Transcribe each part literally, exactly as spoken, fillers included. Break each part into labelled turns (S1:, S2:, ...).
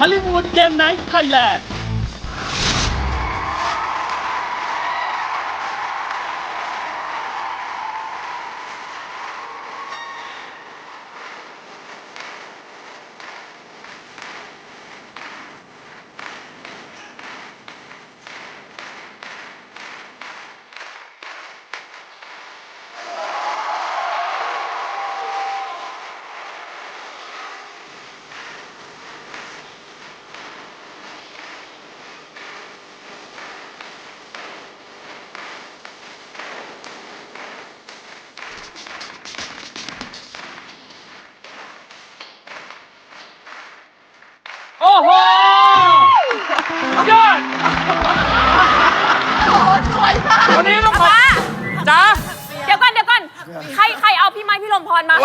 S1: ลิวูดเกมไนท์ไทยแลนด์โอ้โหยอดสวยมากวันนี้ต้องขอจ้า
S2: เดี๋ยวก่อนเดี๋ยวก่อนใครใครเอาพี่ไม้พี่ลมพรมา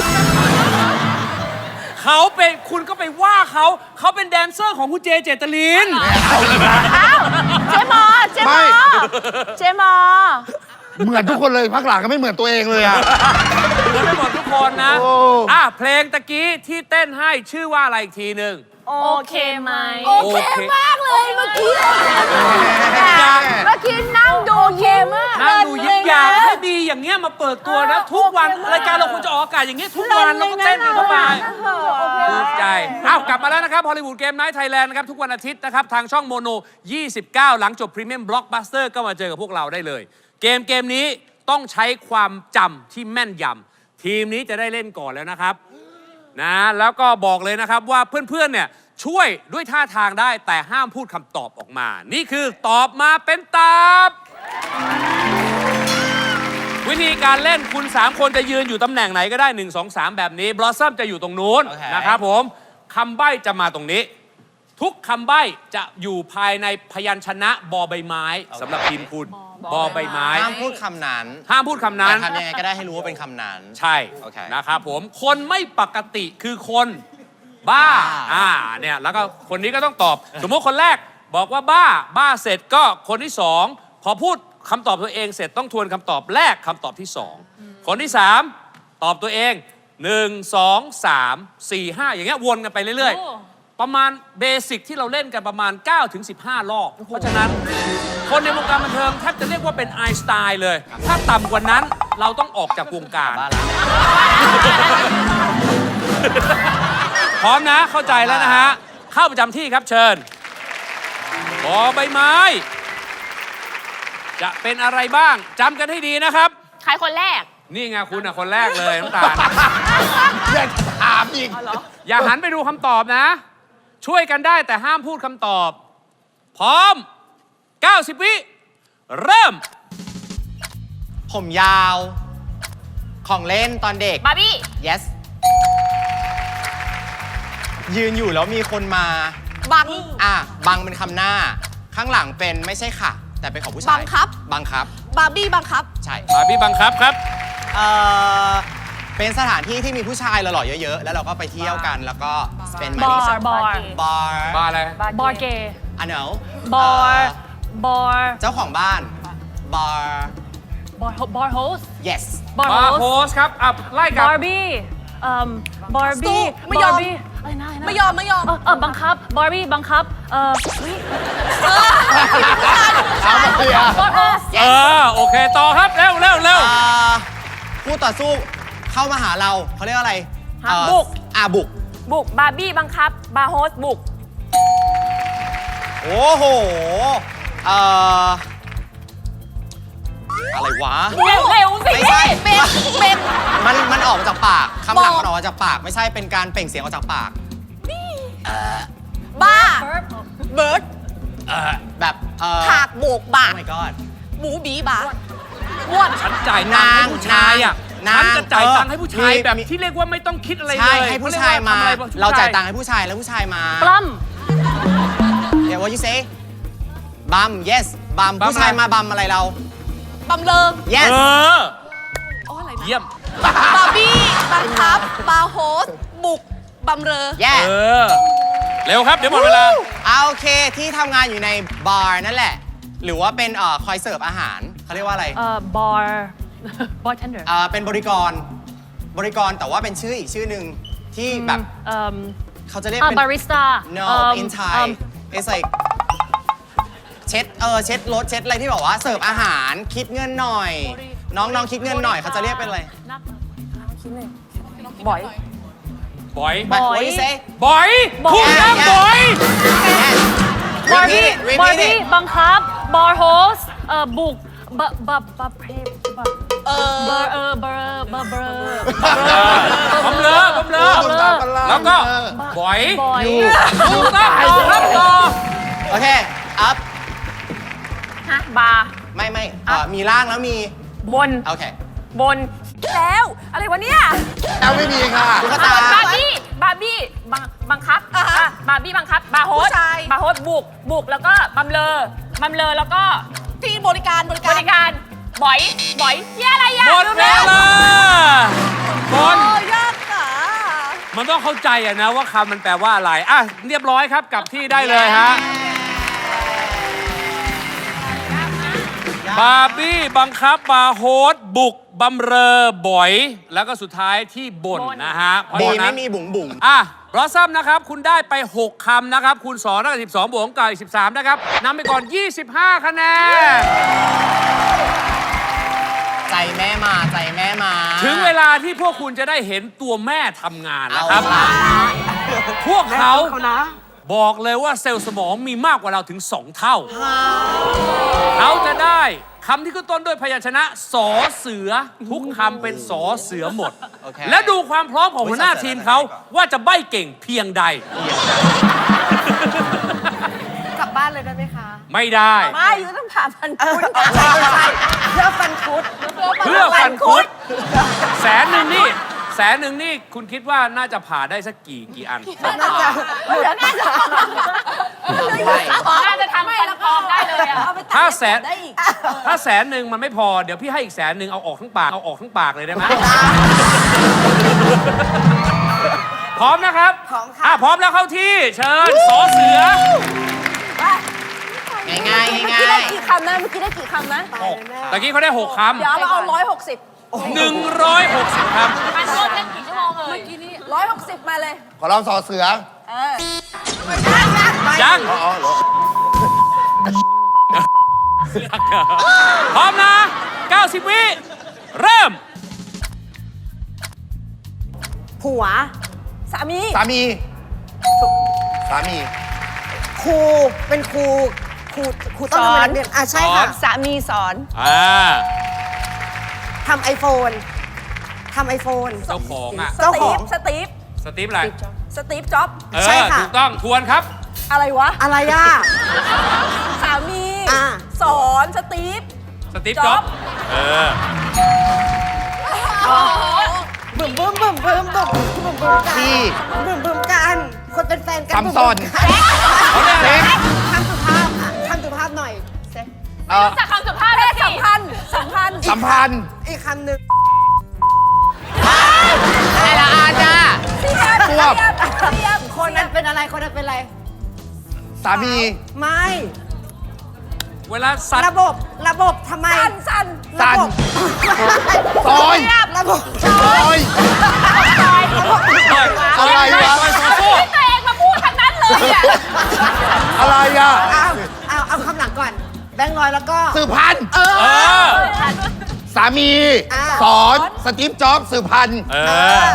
S3: เขาเป็นคุณก็ไปว่าเขาเขาเป็นแดนเซอร์ของคุณเจเจตลิน
S2: อ้าวเจมอเจมอเจมอ
S4: เหมือนทุกคนเลยพักหลังก็ไม่เหมือนตัวเองเลยอะ
S3: เหมือนไม่หมดทุกคนนะอ่ะเพลงตะกี้ที่เต้นให้ชื่อว่าอะไรอีกทีหนึ่ง
S2: โอเคไหม
S3: โอเค
S2: มากเลยเมื่อกี้เมื่อกี้นั่งดูเยมาก
S3: นั่งดูยิ้มยาวให้ดีอย่างเงี้ยมาเปิดตัวนะทุกวันรายการเราควรจะออกอากาศอย่างเงี้ยทุกวันแล้วก็เต้นเข้าไปภูมิใจอ้าวกลับมาแล้วนะครับฮอลลีวูดเกมไนท์ไทยแลนด์นะครับทุกวันอาทิตย์นะครับทางช่องโมโนยี่สิบเก้าหลังจบพรีเมียมบล็อกบัสเตอร์ก็มาเจอกับพวกเราได้เลยเกมเกมนี้ต้องใช้ความจำที่แม่นยำทีมนี้จะได้เล่นก่อนแล้วนะครับนะแล้วก็บอกเลยนะครับว่าเพื่อนๆเนี่ยช่วยด้วยท่าทางได้แต่ห้ามพูดคำตอบออกมานี่คือตอบมาเป็นตามวิธีการเล่นคุณสามคนจะยืนอยู่ตำแหน่งไหนก็ได้หนึ่ง สอง สามแบบนี้บลอสซัมจะอยู่ตรงนู้น okay. นะครับผมคำใบ้จะมาตรงนี้ทุกคำใบ้จะอยู่ภายในพยัญชนะบอใบไม้ okay. สำหรับทีมคุณบอใบไม้
S5: ห้ามพูดคำนั้น
S3: ห้ามพูดคำนั้น
S5: ทำยังไงก็ได้ให้รู้ว่าเป็นคำนั้น
S3: ใช่ okay. นะครับผมคนไม่ปกติคือคนบ้าอ่าเนี่ยแล้วก็คนนี้ก็ต้องตอบสมมติคนแรกบอกว่าบ้าบ้าเสร็จก็คนที่สองพอพูดคำตอบตัวเองเสร็จต้องทวนคำตอบแรกคำตอบที่สองคนที่สามตอบตัวเองหนึ่ง สอง สาม สี่ ห้าอย่างเงี้ยวนกันไปเรื่อยๆประมาณเบสิกที่เราเล่นกันประมาณ เก้าถึงสิบห้า รอบเพราะฉะนั้นคนในวงการบันเทิงแทบจะเรียกว่าเป็นไอน์สไตน์เลยถ้าต่ำกว่านั้นเราต้องออกจากวงการพร้อมนะเข้าใจแล้วนะฮะเข้าประจำที่ครับเชิญบอใบไม้จะเป็นอะไรบ้างจำกันให้ดีนะครับ
S2: ใครคนแรก
S3: นี่ไงคุณอ่ะคนแรกเลยน้ำตาล
S4: อยากถามอีก
S3: อย่าหันไปดูคำตอบนะช่วยกันได้แต่ห้ามพูดคำตอบพร้อมเก้าสิบวิเริ่ม
S5: ผมยาวของเล่นตอนเด็ก
S2: บาร์บี้
S5: yesยืนอยู่แล้วมีคนมา
S2: บัง
S5: อ่ะบังเป็นคำหน้าข้างหลังเป็นไม่ใช่ค่ะแต่เป็นของผู้ชาย
S2: บังคับ
S5: บังคับ
S2: บาร์บี้บังคับ
S5: ใช่
S3: บาร์บี้บังคับครับ
S5: เอ่อเป็นสถานที่ที่มีผู้ชายหล่อๆเยอะๆแล้วเราก็ไปเที่ยวกันแล้วก็เป็น
S2: บาร์บาร์
S5: บาร์
S3: บาร์อะไร
S2: บาร์เกย์
S5: อ่ะเนอะ
S2: บาร์บาร์
S5: เจ้าของบ้านบาร์
S2: บาร์บาร์โฮส
S5: yes
S3: บาร์โฮสครับอ่ะไล่กัน
S2: บาร์บี้เอ่อบาร์บี้
S6: ไม่ยอมไม่ยอมไม่ยอม
S2: เออบังคับบาร์บี้บังคับเออ
S4: เอาไปเลยอ่ะ
S3: เออโอเคต่อครับเร็วเร็วเร็ว
S5: ผู้ต่อสู้เข้ามาหาเราเขาเรียกอะไร
S2: บุก
S5: อ่ะบุก
S2: บุกบาร์บี้บังคับบาร์โฮสบุก
S5: โอ้โหเอ่ออะไรวะ
S2: เร็วเร็วสิ
S5: ไม่ใช่
S6: เป็นเป็น
S5: มันมันออกมาจากปากคำหลังมันออกมาจากปากไม่ใช่เป็นการเปล่งเสียงออกจากปาก
S6: บ้าเบิร์ด
S5: แบบ
S6: ถากโบกบา
S5: oh my god
S6: หมูบีบาม้วน
S3: ฉันจ่ายตังค์ให้ผู้ชายอ่ะฉันจะจ่ายตังค์ให้ผู้ชายแบบที่เรียกว่าไม่ต้องคิดอะไรเลย
S5: ใช่ให้ผู้ชายมาเราจ่ายตังค์ให้ผู้ชายแล้วผู้ชายมา
S2: ปล้
S5: ำเดี๋ยว what you say บัม yes บัมผู้ชายมาบัมอะไรเรา
S6: บัมเลิง
S5: yes
S3: เออเยี่ยม
S6: บาร์บี้บังคับบาร์โฮสบุกบัมเรอ
S5: yes
S3: เออเร็วครับเดี๋ยวหมดเวลา
S5: เอาโอเคที่ทำงานอยู่ในบาร์นั่นแหละหรือว่าเป็นเอ่อคอยเสิร์ฟอาหารเขาเรียกว่าอะไร
S2: เอ่อบาร์บาร์เทนเดอร์
S5: เอ่อเป็นบริกรบริกรแต่ว่าเป็นชื่ออีกชื่อหนึ่งที่แบบ
S2: เอ่อ
S5: เขาจะเรียก
S2: อ่า
S5: เป็น
S2: บาริสต้า
S5: no
S2: เอิ่ม
S5: in Thai
S2: เอิ่ม
S5: it's like เช็ดเออเช็ดรถเช็ดอะไรที่บอกว่าเสิร์ฟอาหารคิดเงินหน่อย น้องน้องคิดเงินหน่อยเขาจะเรียกเป็นอะไร
S2: บ่อย
S3: บอย
S5: But
S2: บอย
S5: what do you say
S3: บอย
S2: บอย
S3: พูดนะ
S5: Yeah, yeah.
S3: บอย
S2: บาร์บี้
S5: repeat it
S2: บาร์
S5: repeat
S2: บี้
S5: it
S2: บังคับ บาร์โฮสเอ่อบุกบะบะบะเพบะ
S6: เอ
S2: เบอ
S6: อ
S2: ร์เออเบอร์เบอร์เบอร์
S3: บำเรอบำเรอ
S2: เบลอ
S3: แล้วก็บอย
S2: บอย
S3: ถูกต้องต่อครับต่อ
S5: โอเค up
S2: ฮะบาร์
S5: ไม่ไม่เอ่อมีล่างแล้วมี
S2: บน
S5: โอเค
S2: บน แล้ว อะไรวะเนี่ย
S4: เอาไม่มีค่ะ
S5: ตุ๊กตา
S2: บาร์บี้ บาร์บี้ บังบังคับ
S6: อ่าฮะ
S2: อ่ะบาร์บี้บังคับ บาร์โฮส
S6: ผู้ชาย
S2: บาร์โฮสบุก บุก แล้วก็บำเลอบำเลอแล้วก็
S6: ที่บริการบริ
S2: บ
S6: การ
S2: ริการบ่อย บ่อยเหียอะไรอ่ะ
S3: หมดเวลาบอล
S6: โอ้ยากอ่ะ
S3: มันต้องเข้าใจอะนะว่าคำมันแปลว่าอะไร อ่ะ เรียบร้อยครับกลับที่ได้เลยฮะ บาร์บี้บังคับบาร์โฮสบุกบำเรอบ่อย แล้วก็สุดท้ายที่บ่น
S2: บ่น
S3: นะฮะเพราะ
S5: บี
S3: ฉะนั้
S5: ไม่
S3: น
S5: มีบุ๋งบุ๋ง
S3: อ่ะบลอสซัมนะครับ คุณได้ไป หก คำนะครับ คูณสองได้สิบสองบวกกับอีกสิบสามนะครับนำไปก่อน ยี่สิบห้า คะแนน
S5: ใจแม่มาใจแม่มา
S3: ถึงเวลาที่พวกคุณจะได้เห็นตัวแม่ทำงาน
S5: เอา
S3: นะครับ
S5: ล่ะ
S3: พวกเขาบอกเลยว่าเซลล์สมองมีมากกว่าเราถึง สอง เท่า เขาจะได้คำที่ขึ้นต้นด้วยพยัญชนะสอเสือ ทุกคำเป็นสอเสือหมด
S5: โอเค
S3: และดูความพร้อมของหัวหน้าทีมเขาว่าจะใบ้เก่งเพียงใด
S6: กลับบ้านเลยได้ไหมคะ
S3: ไม่ได้
S6: ไม่ยูต้องผ่าพันคุดใช่ใช่เพื่อฟันคุด
S3: เพื่อฟันคุด แสนหนึ่งนี่ แสนหนึ่งนี่คุณคิดว่าน่าจะผ่าได้สักกี่กี่อัน
S6: น่าจะเหลือน่าจะ
S2: น่าจะทำฟันปลอมได้เลยอ่ะ
S3: ถ้าแสน
S6: ได้อีก
S3: ถ้าแสนหนึ่งมันไม่พอ เดี๋ยวพี่ให้อีกแสนหนึ่งเอาออกทั้งปาก เอาออกทั้งปากเลยได้ไหม พร้อมนะครับ
S6: พร้อมค่ะ
S3: อ่ะพร้อมแล้วเข้าที่ เชิญสอเสือ
S5: ง่ายง่าย
S6: เมื่อ
S5: ง่า
S6: กี้ได้
S5: ย
S6: กี่คำนะ เมื่อกี้ได้กี่คำนะ
S3: ตะกี้เขาได้ หก ค
S6: เดี๋ยวเราเอาร้อยหกสิบ
S3: ำหนึ่งร้อยหกสิบค
S2: มันรวมกันกี่ชั่วโมงเอ่ย
S6: ร้อยหกสิบมาเลย
S4: ขอลองสอเสือ
S6: เออ
S3: ำยัง
S4: อ๋อเหรอ
S3: พร้อมนะ เก้าสิบ วิ เริ่ม
S6: ผัว สามี
S4: สามี สามี
S7: ครูเป็นครูครูครูต้องทำงานเรียนอ่ะใช่ค่ะ
S6: สามีสอน
S3: อ่า
S7: ทำไอโฟนทำไอโฟน
S3: เจ้าของอ่ะ
S6: ส
S7: เจ้าข
S6: ตี
S7: อง
S6: ฟ สตีฟ
S3: สตีฟอะไร
S6: สตีฟจ็อบ
S3: เอ
S7: ใช่
S3: อ
S7: ค่ะ
S3: ถูกต้อง ทวนครับ
S6: อะไรวะ
S7: อะไรอ่ะ
S6: สามี
S7: อ่า
S6: สอนสตีฟ
S3: สตีฟ
S6: จ๊
S3: จ็
S6: อ
S3: อบ บ เออ
S7: บึ้มบึ้มบึ้มบึ้มบึ้มบึ้มบึ้มกัน
S4: ที่
S7: บึ้มบึ้มกันคนเป็นแฟนกัน
S4: ซัมซอน
S3: เขาเรียกอะไร
S7: คำสุภาพอ่ะคำสุภาพหน่อย
S4: เอ่อ
S2: จากคำสุภาพ
S6: เพ
S2: เลย
S6: ศ
S2: สิ
S6: สัมพันธ์สัมพันธ์
S4: สัมพันธ์
S7: อีกคำหนึ่ง
S5: อะไรละอาจ้า
S6: เทียบ
S4: ควบ
S6: เทียบเทียบ
S7: คนนั้นเป็นอะไรคนนั้นเป็นอะไร
S4: สามี
S7: ไม่
S3: เวลาสัตว์
S7: ระบบระบบทำไม
S6: สันสัน
S7: ระ
S4: สัน
S7: บบ
S4: ซอย
S7: ระบบ
S4: ซอยอะไร
S3: ซ
S4: วะ
S3: อยโซโซ่
S2: ที่ตัวเองมาพูดทั้งนั้นเลยอ่ะ
S4: อะไรอ่ะ
S7: เอาเอาเอาคำหลังก่อน แบงค์ร้อยแล้วก็
S4: สืบพันธุ์
S3: เออ
S4: สามี
S7: อ่า
S4: สอน สตีฟจ็อบส์สืบพันธุ์
S3: เอ
S7: เอ
S3: อ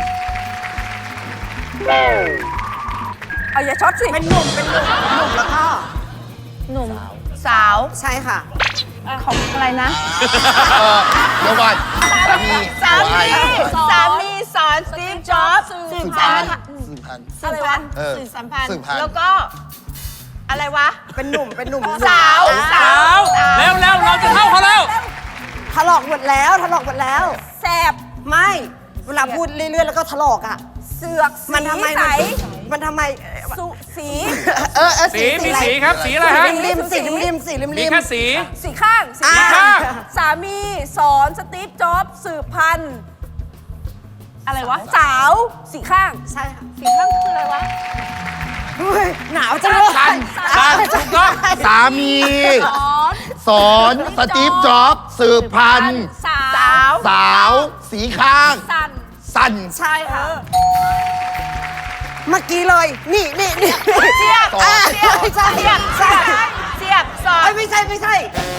S7: อ
S6: เอาอย่าช็อตสิ
S7: เป็นหนุ่มเป็นหนุ่มหนุ่มแล้วก็
S6: หนุ่มสาว
S7: ใช่ค่ะ
S6: ของอะไรนะ
S4: เออเดี๋ยวก่อนสามี
S6: สา
S4: ตัว
S6: มี
S4: ไอ้
S6: สามีสอนสตีฟจ็อบส์สื
S7: สื
S6: บบ
S7: พั
S6: พั
S7: น
S6: น
S7: ธุ์
S6: ธ์
S4: สืบพันธุ์
S6: อะไรวะ
S4: เออ
S6: สื่อสัมพันธ์
S4: สืบพันธุ์
S6: แล้วก็ อะไรวะ
S7: เป็นหนุ่มเป็นหนุ่ม
S6: สาว
S7: อ่ะ
S3: สาวแล้วแล้วเราจะเข้าเขาแล้ว
S7: ถลอกหมดแล้วถลอกหมดแล้ว
S6: แสบ
S7: ไม่ เวลาพูดเรื่อยๆแล้วก็ถลอกอ่ะ
S6: เสือก
S7: มันทำไม
S6: ใส
S7: มันมันทำไม
S6: สุสี
S7: เออเออ
S3: สีมี
S7: อะไร
S3: สีครับ สีอะไรฮะ
S7: ริมริมสีริมริมสีริม
S3: มี
S7: ริม
S3: แค่สี
S6: สีข้างสี
S7: อ่า
S3: ข้าง
S6: สามีสอนสตีฟจ็อบส์สืบพันธุ์อะไรวะ สาวสีข้าง
S7: ใช่ค่ะ
S6: สีข้างคืออะไรวะ
S7: อุ๊ยหนาวจังเลย
S3: สันสันถูกต้อง
S4: สามี
S6: สอน
S4: สอนสตีฟจ็อบส์สืบพันธุ์
S6: สาว
S4: สาว สีข้าง
S6: สัน
S4: สัน
S7: ใช่ค่ะ
S6: เ
S7: เมื่อกี้เลย นี่นี่นี่
S6: เสียบ
S7: อ่า
S6: เสียบ
S7: ไม่ใช่
S6: เสียบ
S7: ใช่
S6: เสียบสอ
S7: เอ้
S6: น
S7: ยไม่ใช่ไม่ใช่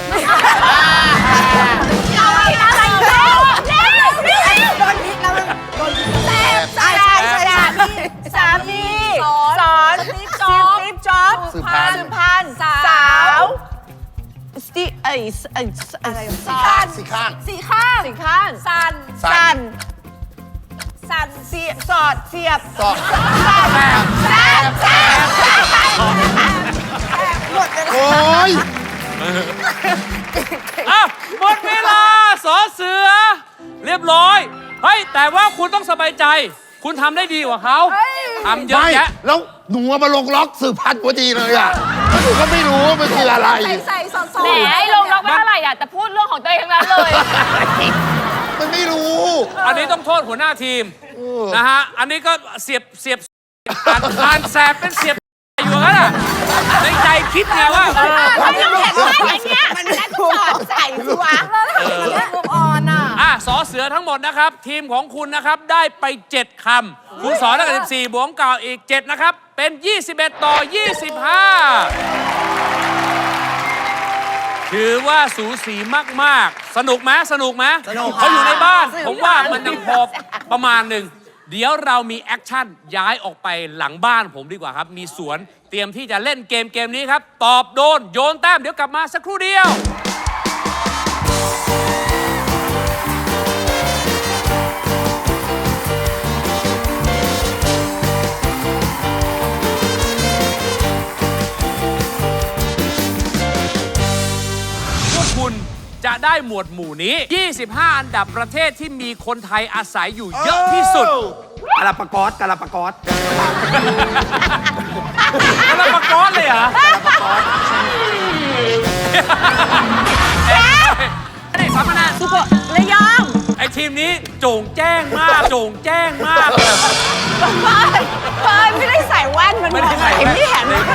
S6: เอาอะไรเร็วเร็วเร็ว
S7: โดนพิษแล้วมันโดนพิษ
S6: แซ่บ
S7: ใช่ใช่ใช่ใช่
S6: สามีสอนสตีฟจ็อบสตีฟจ็อบ
S4: สืบพันธุ์
S6: สืบพันธุ์สาวสตีไอ้ไอ้อะไรสีข้าง
S4: สี่ข้าง
S6: สีข้างสีข้างสัน
S4: สั
S6: สั
S4: น
S6: นสันเสียบสอดเสียบ
S4: สอด
S6: แซ่บแซ่บแซ่บ
S7: หมดเลย
S4: โอ้ย
S3: อ่ะหมดเวลาสอเสือ เรียบร้อย เฮ้ย แต่ว่าคุณต้องสบายใจ คุณทำได้ดีกว่าเขาทำเยอะ
S4: ไม่
S3: แยะ
S4: แล้วหนูเอามาลงล็อกสืบพันธุ์พอดีเลยอ่ะแล้วหนูก็ไม่รู้ว่ามันคืออะไร
S6: ใส่ใส่สอดสอด
S2: แหมไอ้ลงล็อกไม่เท่าไหร่อ่ะ แต่พูดเรื่องของตัวเองทั้งนั้นเลย
S4: มันไม่รู้
S3: อันนี้ต้องโทษหัวหน้าทีมนะฮะ อันนี้ก็เสียบเสียบอ่านอ่านแสบเป็นเสียบอยู่งั้นอ่ะในใจคิดไงว่าเออ
S6: ไม่ต้องเห็นว่าอย่างเงี้ยมันแล้วก็สอดใส่ตัวมันเรื่องอ่อนอ่ะ
S3: อ่ะสอเสือทั้งหมดนะครับ ทีมของคุณนะครับได้ไป เจ็ด คำ คุณสอนได้กับสิบสี่บวกเก่าอีก เจ็ด นะครับ เป็น ยี่สิบเอ็ด ต่อ ยี่สิบห้า ถือว่าสูสีมาก ๆ สนุกไหมสนุกไหม
S5: สนุก
S3: เขาอยู่ในบ้าน ผมว่ามันยังพอประมาณหนึ่ง เดี๋ยวเรามีแอคชั่นย้ายออกไปหลังบ้านผมดีกว่าครับ มีสวนเตรียมที่จะเล่นเกมเกมนี้ครับ ตอบโดน โยนแต้ม เดี๋ยวกลับมาสักครู่เดียว พวกคุณจะได้หมวดหมู่นี้ ยี่สิบห้า อันดับประเทศที่มีคนไทยอาศัยอยู่เยอะที่สุด
S4: กาลาปากอสกาลาปากอส
S3: แล้วปากอสเลยเหรอนี่สามคะแนน
S6: สุโขระยอง
S3: ไอ้ทีมนี้โจ่งแจ้งมาก โจ่งแจ้งมาก
S6: เฟิร์นเฟิร์นไม่ได้ใส่แว่นมัน
S3: ไม่ได้ใส่
S6: เห็น
S3: แว่น
S6: ที่เห็นไหม